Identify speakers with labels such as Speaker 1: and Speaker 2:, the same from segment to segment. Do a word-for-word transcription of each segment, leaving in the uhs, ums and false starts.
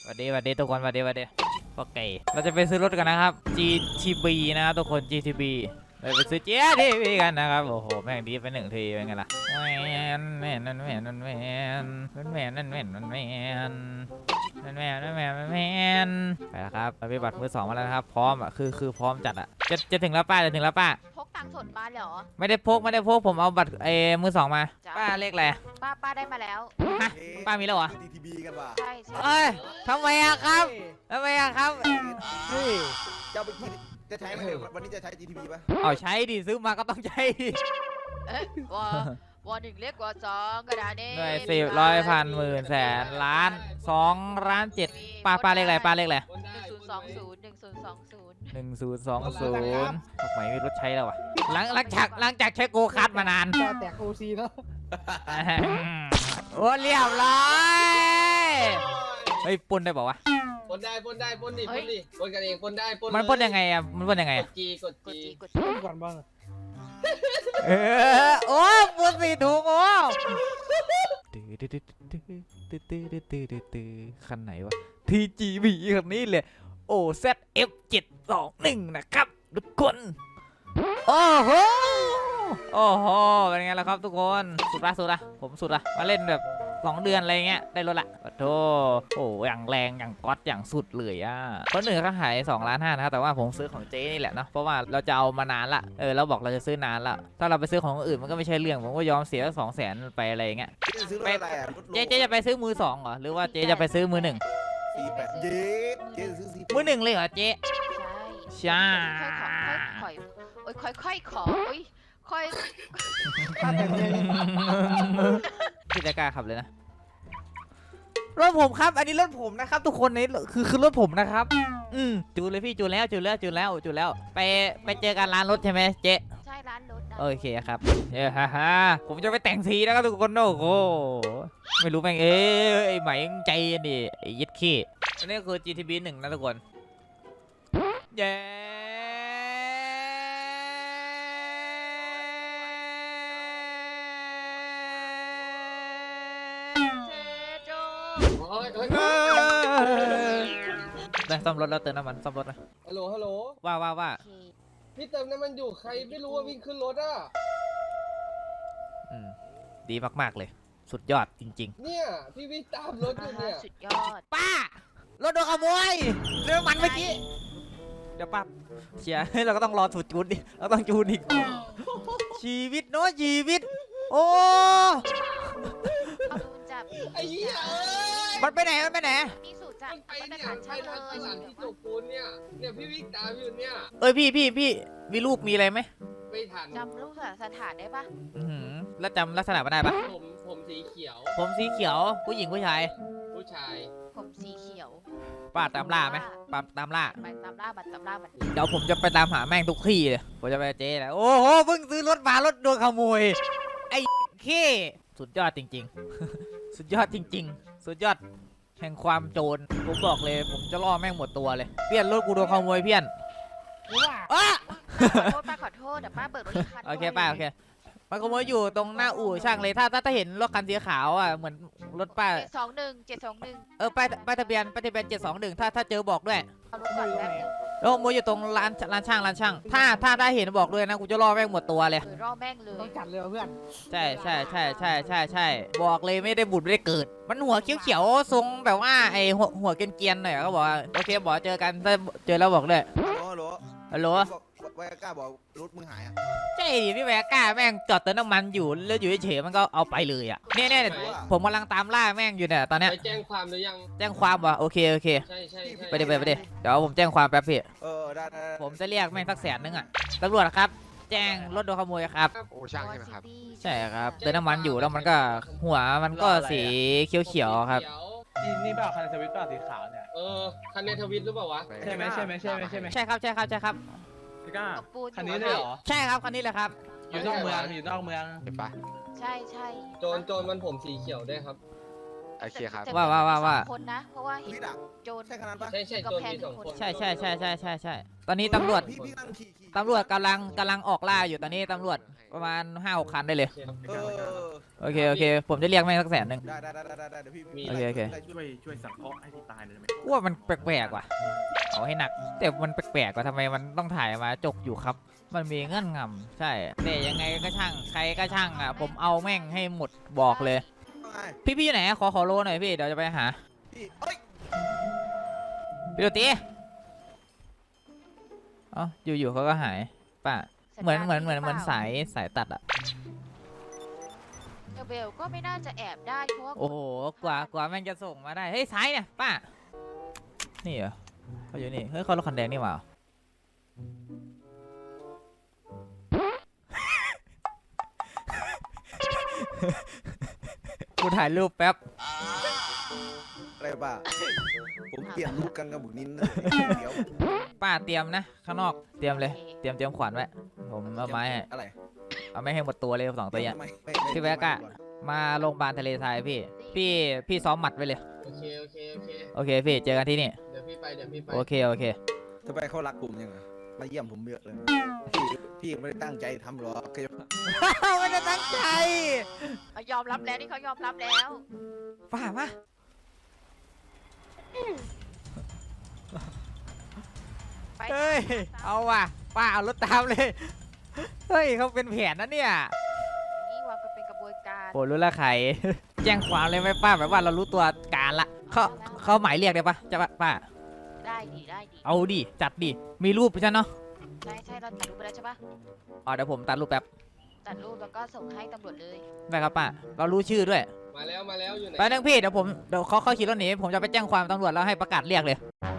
Speaker 1: สวัสดีสวัสดีทุกคนสวัสดีสวัสดีโอเคเราจะไปซื้อรถกันนะครับ จี ที บี นะครับทุกคน จี ที บี เราไปซื้อ จี ที บี กันนะครับโอ้โหแม่งดีไปหนึ่งทีเป็นไงล่ะแมนแมนนั่นแมนนั่นแมนนั่นแมนนั่นแมนนั่นแมนนั่นแมนนั่นแมนนั่นแมนไปแล้วครับเราไปบัตรมือสองมาแล้วนะครับพร้อมอ่ะคือคือพร้อมจัดอ่ะจะจะถึงแล้วป้าจะถึงแล้วป้า
Speaker 2: พกตังค์สดมาเหรอ
Speaker 1: ไม่ได้พกไม่ได้พกผมเอาบัตรเอมือสองมาป้าเลขอะไร
Speaker 2: ป้าป้าได้มาแล้ว
Speaker 1: ฮะป้ามีแล้วเหรอ
Speaker 3: ที ที บี กันว่ะ
Speaker 2: ใช่ใช่
Speaker 1: เอ้ยทำไมอะครับทำไมอะครับ
Speaker 3: เฮ้ยจะไปกินจะใช้ไหมวันนี้จะใช้ จี ที บี ป่ะ
Speaker 1: เอาใช้ดิซื้อมาก็ต้องใช้
Speaker 2: เอ๊ะวอวอหนึ่งเล็กกว่าสองกระดาษนี้
Speaker 1: หน่วยสิบร้อยพันหมื่นแสนล้านสองล้านเจ็ดป้าป้าเลขอะไรป้าเลขอะไร
Speaker 2: หนึ่งศูนย์สองศูนย์หนึ่งศูนย์สองศูนย์
Speaker 1: หนึ่งศูนย์สองศูนย์ทำไมไม่รถใช้แล้ววะหลังหลังจากหลังจากใช้โกคาร์ดมานาน
Speaker 4: จะแตกโอซีเนาะ
Speaker 1: โอ้เรียบร้อยเฮ้ยปนได้บอกว่า
Speaker 5: ปนได้ปนได้ปนดิปนดิปนกันเองปนได้ปน
Speaker 1: มันปนยังไงอะมันปนยังไง
Speaker 5: ก
Speaker 1: อะ
Speaker 5: ดจีกด
Speaker 2: กด
Speaker 5: จี
Speaker 2: จีกด
Speaker 4: ต้
Speaker 2: จี
Speaker 4: นก่อนบ้าง
Speaker 1: เออโอ้ปนสีถูกโอ้ตื้อตื้อตื้อตื้อตื้อตื้อตื้อตื้อตื้อคันไหนวะ ที จี บี คันนี้เลย โอ แซด เอฟ เจ็ดสองหนึ่ง นะครับทุกคนโอ้โหโอ้โหเป็นไงล่ะครับทุกคนสุดละสุดละผมสุดละมาเล่นแบบสองเดือนอะไรเงี้ยได้รถละโอ้โหโอ้อย่างแรงอย่างก๊อตอย่างสุดเลยอ่ะคนหนึ่งเขาขายสองล้านห้านะครับแต่ว่าผมซื้อของเจ๊นี่แหละเนาะเพราะว่าเราจะเอามานานละเออเราบอกเราจะซื้อนานละถ้าเราไปซื้อของคนอื่นมันก็ไม่ใช่เรื่องผมก็ยอมเสียสองแสนไปอะไรเงี้ย
Speaker 3: จะซื้อรถอะไรอ่ะรถโล
Speaker 1: เจ๊เจ๊จะไปซื้อมือสองเหรอหรือว่าเจ๊จะไปซื้อมือหนึ่ง
Speaker 3: สี่แปดเย็ดเจ๊จะซื้อสี่
Speaker 1: มือหนึ่งเลยเหรอเจ๊
Speaker 2: ใช่
Speaker 1: ใช่
Speaker 2: ค่อยๆโอ้ยค่อยๆขอโอ้ยค่อย
Speaker 4: ตั้งแต่เรียน
Speaker 1: พี่จะกล้าขับเลยนะรถผมครับอันนี้รถผมนะครับทุกคนนี่คือคือรถผมนะครับอืมจูนเลยพี่จูนแล้วจูนแล้วจูนแล้วจูนแล้วไปไปเจอกันร้านรถใช่ไหมเจ๊
Speaker 2: ใช่ร้านรถนะ
Speaker 1: โอเคครับเฮ้ฮ่าฮ่าผมจะไปแต่งสีนะครับทุกคนโอ้โหไม่รู้แม่งเอ้ยไอ้ไหมใจนี่ไอ้ยึดขี้อันนี้คือ จี ที บี หนึ่งนะทุกคนเย้
Speaker 2: เจโจ
Speaker 5: โอ้ยเฮ้ย
Speaker 1: ได้ซ่อมรถแล้วเติมน้ำมันซ่อมรถนะ
Speaker 5: ฮัลโหลฮัลโหล
Speaker 1: ว่าว่าว่า
Speaker 2: โอเค
Speaker 5: พี่เติมน้ำมันอยู่ใครไม่รู้ว่าวิ่งขึ้นรถอ่ะ
Speaker 1: อืมดีมากๆเลย สุดยอดจริง
Speaker 5: เนี่ยพี่วิ่งตามรถอยู่เนี่ย
Speaker 2: สุดยอด
Speaker 1: ๆ ป้ารถโดนขโมยเรื่องมันเมื่อกี้เดี๋ยวป้าเชียร์ เราก็ต้องรอถูกจูนดิเราต้องจูนอีกชีวิตเนาะชีวิต โอ้
Speaker 2: เอาดูจับ
Speaker 5: ไอ้เหี้ยเอ้ย
Speaker 1: มันไปไหนมันไปไหน
Speaker 2: มีสูตรจับ
Speaker 5: มันไป
Speaker 2: มาตร
Speaker 5: เนี่ย
Speaker 2: ฐาน
Speaker 5: ไป
Speaker 2: ช่างเล
Speaker 5: ทางต
Speaker 2: ย
Speaker 5: ลาดที่จกปูนเนี่ยเนี่ยพี่วิ่งตามอยู่เนี่ย
Speaker 1: เอ้ยพี่พี่พี่มีรูปมีอะไรไหม
Speaker 5: ไม่ทัน
Speaker 2: จำรูปสถานได้ปะ
Speaker 1: อื้อหือแล้วจำลักษณะมันได้ปะ
Speaker 5: ผมผมสีเขียว
Speaker 1: ผมสีเขียวผู้หญิงผู้ชาย
Speaker 5: ผู้ชาย
Speaker 2: ผมสีเขียว
Speaker 1: ป้าตามล่าไหมป้าตามล่า
Speaker 2: ไปตามล่าบัตรตามล่าบัตร
Speaker 1: เดี๋ยวผมจะไปตามหาแม่งทุกที่เลยผมจะไปเจ๊แหละโอ้โหเพิ่งซื้อรถมารถโดนขโมยไอ้ขี้สุดยอดจริงๆ สุดยอดจริง ๆ สุดยอดแห่งความโจรผมบอกเลยผมจะล่อแม่งหมดตัวเลยเพี้ยนรถกูโดนขโมยเพี้ยน
Speaker 4: รู้ว่า
Speaker 1: อ้า
Speaker 2: ขอโทษป้าขอโทษเดี๋ยวป้าเบิกรถอีกคัน
Speaker 1: โอเคป้าโอเคมันขโมยอยู่ตรงหน้าอู่ช่างเลยถ้าถ้าถ้าเห็นรถคันสีขาวอ่ะเหมือนรถป้า
Speaker 2: เจ็ดสองหนึ่งเจ็ดสองหนึ่ง
Speaker 1: เออป้ายป้ายทะเบียนป้ายทะเบียนเจ็ดสองหนึ่งถ้าถ้าเจอบอกด้วย
Speaker 2: เอารถก่อนแป๊บนึง
Speaker 1: แล้วขโมยอยู่ตรงร้านร้านช่างร้านช่างถ้าถ้าได้เห็นบอกด้วยนะกูจะล่อแม่งหมดตัวเลย
Speaker 2: เออรอแม่งเลย
Speaker 4: ต้องจัดเลยว่ะเพื่อน
Speaker 1: ใช่ใช่ใช่ใช่ใช่ใช่บอกเลยไม่ได้บุญไม่ได้เกิด มันหัวเขียวๆทรงแบบว่าไอหัวหัวเกรียนๆหน่อยก็บอกว่าโอเคบอกเจอกันถ้าเจอแล้วบอกเลย
Speaker 3: ฮัลโหล
Speaker 1: ฮัลโหล
Speaker 3: ไวอาก้าบอกรถมึงหายอ่ะ
Speaker 1: ใช่ดิพี่แวก้าแม่งจอดเติมน้ำมันอยู่แล้วอยู่เฉยๆมันก็เอาไปเลยอ่ะเนี่ยเนี่ยผมกำลังตามล่าแม่งอยู่เนี่ยตอนเนี้ย
Speaker 5: ไปแจ้งความหรือยัง
Speaker 1: แจ้งความว่ะโอเคโอเค
Speaker 5: ใช่ใช่ใช่
Speaker 1: ไปดิไปดิไปดิเดี๋ยวผมแจ้งความแป๊บพี่
Speaker 3: เออได้ได้
Speaker 1: ผมจะเรียกแม่งสักแสนนึงอ่ะตำรวจครับ แจ้งรถโดนขโมยครับ
Speaker 6: โอ้ช่างใช่ไหมครับ
Speaker 1: ใช่ครับเติมน้ำมันอยู่แล้วมันก็หัวมันก็สีเขียวๆครับ
Speaker 4: นี่นี่เปล่าคันสวิตเปล่าสีขาวเนี่ย
Speaker 5: เออคันในทวิตหรือเปล่าวะ
Speaker 4: ใช่ไหมใช่ไหมใช่ไหมใช่ไหม
Speaker 1: ใช่ครับใช่ครับใช่ครับ
Speaker 4: พี่ก้า
Speaker 2: ตบปูน
Speaker 4: คันนี้เลยเหรอ
Speaker 1: ใช่ครับคันนี้แหละครับ
Speaker 4: อยู่นอกเมืองอยู่นอกเมือง
Speaker 6: เห็นปะ
Speaker 2: ใช่ใช่
Speaker 5: โจรโจรมันผมสีเขียวได้วยครับ
Speaker 6: โอเคครับ
Speaker 2: แต่
Speaker 1: ว่าว่าว่าว่า
Speaker 2: สองคนนะ เพราะว่าเห็น
Speaker 3: พี่ดัก
Speaker 2: โจร
Speaker 3: ใช่ขนาดปะ
Speaker 5: ใช่ใช่โจรมีสองคน
Speaker 1: ใช่ใช่ใช่ใช่ใช่ใช่ตอนนี้ตำรวจ
Speaker 3: พี่พี่กำลังขี่ขี่
Speaker 1: ตำรวจกำลังกำลังออกล่าอยู่ตอนนี้ตำรวจประมาณห้าหกคันได้เลย
Speaker 3: เออ
Speaker 1: โอเคโอเค ผมจะเรียกแม่งสักแสนหนึ่ง
Speaker 3: ได้ได้ได้ได้ได้เดี๋ยวพี่
Speaker 5: มี
Speaker 1: โอเคโอเค
Speaker 7: ช่วยช่วยสังเคราะห์ให้พี่ตายหน่อยได้ไหม
Speaker 1: ว่ามันแปลกๆว่ะเอาให้หนัก แต่มันแปลกๆว่ะทำไมมันต้องถ่ายมาจกอยู่ครับ มันมีเงื่อนงำใช่แต่ยังไงก็ช่างใครก็ช่างอ่ะผมเอาแม่งให้หมดบอกเลย พี่พี่อยู่ไหนขอขอโลหน่อยพี่เดี๋ยวจะไปหา
Speaker 3: พี่เอ้ย
Speaker 1: พี่โรตีเอ๋ออยู่ๆเขาก็หายป่ะเหมือนเหมือนเหมือนเหมือนสายสายตัดอ่ะ
Speaker 2: เดอะเบลก็ไม่น่าจะแอบได้เพราะว่า
Speaker 1: โอ้โหกว่ากว่าแม่งจะส่งมาได้เฮ้ยสายเนี่ยป้านี่เหรอเขาอยู่นี่เฮ้ยเขารถคันแดงนี่หว่า กูถ่ายรูปแป๊บ
Speaker 3: อะไรป่ะผมเปลี่ยนลูกกันกับบุกนินเดี๋ยว
Speaker 1: ป้าเตรียมนะข้างนอกเตรียมเลยเตรียมเตรียมขวานไว้ผมเอาไม้ให้
Speaker 3: อะไร
Speaker 1: เอาไม่ให้หมดตัวเลยสองตัวเนี้ย
Speaker 3: ไม่ไม่ไม่
Speaker 1: พี่แวกอะ มาโรงพยาบาลทะเลทรายพี่ พี่พี่ซ้อมหมัดไว้เลย
Speaker 5: โอเคโอเคโอเค
Speaker 1: โอเคพี่เจอกันที่นี่
Speaker 5: เดี๋ยวพี่ไปเดี๋ยวพี่ไป
Speaker 1: โอเคโอเค
Speaker 3: ทำไมเขารักผมยังไงมาเยี่ยมผมเยอะเลยพี่พี่ไม่ได้ตั้งใจทำหรอกแค่
Speaker 1: ไม่ได้ตั้งใจ
Speaker 2: เขายอมรับแล้วนี่เขายอมรับแล้ว
Speaker 1: ป้ามา
Speaker 2: ไป
Speaker 1: เฮ้ยเอาว่ะป้าเอารถตามเลยเฮ้ยเขาเป็นแผนนะเนี่ย
Speaker 2: นี่วางกันเป็นกระบวนการ
Speaker 1: โปรดรู้ละใคร แจ้งความเลยไหมป้าแบบว่าเรารู้ตัวการละเขาเขาหมายเรียกได้ปะจะปะป้า
Speaker 2: ได้ดีได้ดี
Speaker 1: เอาดิจัดดิมีรูปใช่เนาะ
Speaker 2: ใช่ใช่เราตัดรูปไปแล้วใช่ปะ
Speaker 1: อ๋อเดี๋ยวผมตัดรูปแป๊บ
Speaker 2: ตัดรูปแล้วก็ส่งให้ตำรวจเลย
Speaker 1: ได้ครับป้าเรารู้ชื่อด้วย
Speaker 5: มาแล้วมาแล้วอยู่ไหน
Speaker 1: ไปนึงพี่เดี๋ยวผมเดี๋ยวเขาเขาขี่รถหนีผมจะไปแจ้งความตำรวจแล้วให้ประกาศเรียกเลย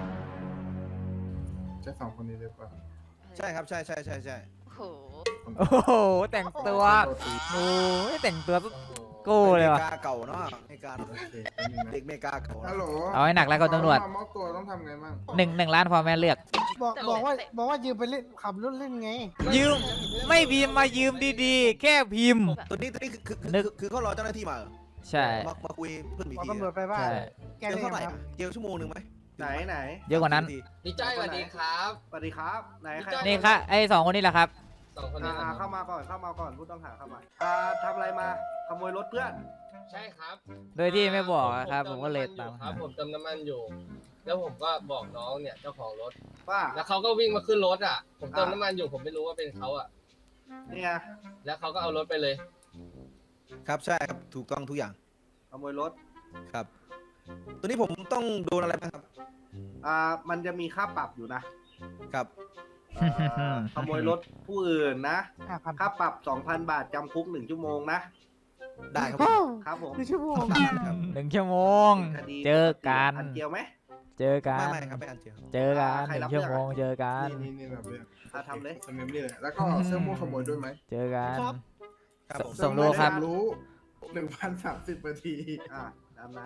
Speaker 7: ใช่สองคนนี้เลยป่ะ
Speaker 3: ใช่ครับใช่ใช่ใช่ใช่
Speaker 2: โอ้โห
Speaker 1: โอ้โหแต่งตัวโอ้ยแต่งตัว
Speaker 5: โอ้โห
Speaker 1: โก้เลยว่ะ
Speaker 3: เมกาเก่าเนาะเมกา
Speaker 7: โอเคแป๊บนึงนะ
Speaker 3: เด็กเมกาเก่า
Speaker 7: ฮัลโหล
Speaker 1: เอาให้หนักแล้วก็ตำรวจ
Speaker 7: มามอบตัวต้องทำไงบ้าง
Speaker 1: หนึ่งหนึ่งล้านพอแม่เลือก
Speaker 8: บอกบอกว่าบอกว่ายืมไปเล่นขับรถเล่นไง
Speaker 1: ยืมไม่พิมพ์มายืมดีๆ แค่พิมพ์
Speaker 3: ตัวนี้ตัวนี้คือคือ
Speaker 1: นึ
Speaker 3: คือก คือเขารอเจ้าหน้าที่มาเหรอ
Speaker 1: ใช่
Speaker 3: มามาคุยเพื่อนมี
Speaker 8: บอก
Speaker 3: ที
Speaker 8: ตำรวจไปว่า
Speaker 1: ใช่
Speaker 8: แก
Speaker 3: เจล
Speaker 8: เล่น
Speaker 3: เท่าไหร่
Speaker 8: ครับ
Speaker 3: อะเจลชั่วโมงหนึ่งไหม
Speaker 7: ไหนไหน
Speaker 1: เยอะกว่านั้น
Speaker 5: พี่จ้อยสวัสดีครับ
Speaker 7: สวัสดีครับไหนใคร
Speaker 5: จ้อย
Speaker 1: นี่ครับไอ้สองคนนี้แหละครับ
Speaker 5: สองคน
Speaker 7: อ่า
Speaker 5: นี้
Speaker 7: อ่า
Speaker 5: นะค
Speaker 7: เข้า
Speaker 5: รับ
Speaker 7: มาก่อนเข้ามาก่อนผู้ต้องหาเข้ามาอ่าทำอะไรมาขโมยรถเพื่อน
Speaker 5: ใช่ครับ
Speaker 1: โดยที่ไม่บอกอะครับ ผมก็เลย
Speaker 5: ติ
Speaker 1: ตาม
Speaker 5: ครั
Speaker 1: หา
Speaker 5: บผมเติมน้ำมันอยู่ แล้วผมก็บอกน้องเนี่ยเจ้าของรถ
Speaker 7: ว่า
Speaker 5: แล้วเขาก็วิ่งมาขึ้นรถอ่ะ ผมเติมน้ำมันอยู่ผมไม่รู้ว่าเป็นเขาอ่ะ
Speaker 7: นี่ไง
Speaker 5: แล้วเขาก็เอารถไปเลย
Speaker 3: ครับใช่ครับถูกต้องทุกอย่าง
Speaker 7: ขโมยรถ
Speaker 3: ครับ ตัวนี้ผมต้องโดนอะไรบ้างครับ
Speaker 7: อ่ามันจะมีค่าปรับอยู่นะครับ อ่าขโมยรถผู้อื่นนะ
Speaker 8: ห้าพัน
Speaker 7: ค่าปรับสองพันบาทจำคุกหนึ่งชั่วโมงนะ
Speaker 3: ได้ครับ
Speaker 7: ครับผม
Speaker 8: หนึ่งชั่วโมง
Speaker 3: ตามนั้นครับ
Speaker 1: หนึ่งชั่วโมง
Speaker 7: คดี
Speaker 1: เจอกัน
Speaker 7: อันเกียวไหม
Speaker 1: เจอกั
Speaker 3: ไม่
Speaker 1: น
Speaker 3: ไม่ครับไม่อันเจล
Speaker 1: เจอกัน
Speaker 7: ใคร
Speaker 1: หนึ่
Speaker 7: รับ
Speaker 1: งชั่วโมง
Speaker 7: เรื่องอะ
Speaker 1: เจอกัน
Speaker 7: นี่นี่แบบเรื่องอ่ะทำเลย
Speaker 9: สเมมนี่เลยแล้วก็เสื้อม่วงขโมยด้วยไหม
Speaker 1: เจอกัน
Speaker 3: ครับผม
Speaker 1: ส่งรูปครับ
Speaker 9: รู้หนึ่งพันสามสิบนาที
Speaker 7: อ่าตามนั้น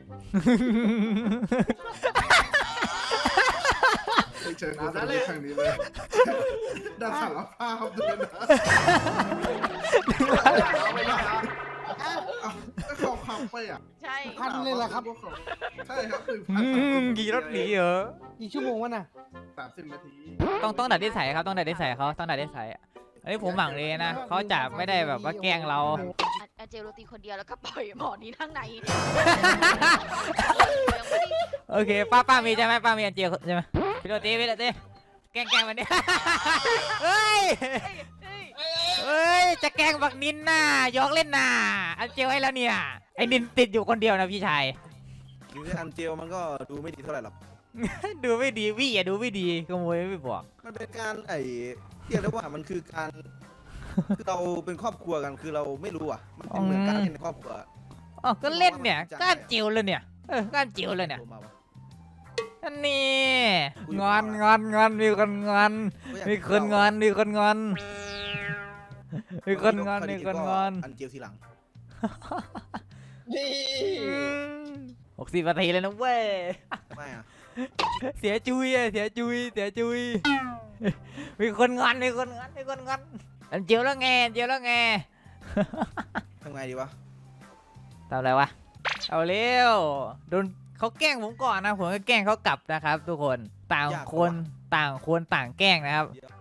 Speaker 9: ไม่เจอคนนี้ครั้งนี้เลยได้สารภาพด้วยนะอ้าวก็เขาขับไปอ่ะ
Speaker 2: ใช่
Speaker 8: พันเลยเหรอครับ
Speaker 9: ใช่ครับหนึ่ง
Speaker 1: อื
Speaker 9: พัน
Speaker 1: มขี่รถหนีเหรอ
Speaker 8: กี่ชั่วโมงวะน่ะ
Speaker 9: สามสิบนาที
Speaker 1: ต้องต้องดัดนิสัยครับต้องดัดนิสัยเขาต้องดัดนิสัยอะอันนี้ผมหวังเลยนะเขาจะไม่ได้แบบว่าแกล้งเรา
Speaker 2: อันอันเจลโรตีคนเดียวแล้วก็ปล่อยหมอนี้ข้างในยังไม่ได้
Speaker 1: โอเคป้าป้ามีใช่ไหมป้ามีอันเจียวใช่ไหมพี่โรตีพี่โรตีแกล้งแกล้งมันเนี่ยเฮ้ย
Speaker 2: เฮ้ย
Speaker 1: เฮ้ยจะแกล้งบักนินน่ะหยอกเล่นน่ะอันเจียวให้แล้วเนี่ยไอ้นินติดอยู่คนเดียวนะพี่ชาย
Speaker 3: จริงๆอันเจลมันก็ดูไม่ดีเท่าไหร่หรอก
Speaker 1: ดูไม่ดีวี่อย่าดูไม่ดีขโมยไม่บอก
Speaker 3: มันเป็นการไอ้เรียกได้ว่ามันคือการคือเราเป็นครอบครัวกันคือเราไม่รู้อ่ะมันเป็นเหมือนการเล่นในครอบครัว
Speaker 1: อ๋อก็เล่นเนี่ยก้านเจียวเลยเนี่ยเออก้านเจียวเลยเนี่ย
Speaker 3: โทรมาวะ
Speaker 1: อันนี้งอนงอนงอนมีคนงอนมีคนงอนมีคนงอนมีคนงอนมีคนงอน
Speaker 3: อันเจลทีหลัง
Speaker 5: นี่
Speaker 1: หกสิบนาทีเลยนะเว้ย
Speaker 3: ทำไมอ่ะ
Speaker 1: เสียจุยอะเสียจุยเสียจุยมีคนงอนมีคนงอนมีคนงอนอันเจียวแล้วไงอันเจียวแล้วไง
Speaker 3: ทำไงดีวะ
Speaker 1: ทำอะไรวะเอาเร็วโดนเขาแกล้งผมก่อนนะผมก็แกล้งเขากลับนะครับ ทุกคนต่างคนต่างคนต่างแกล้งนะครับ
Speaker 3: เดี๋ยว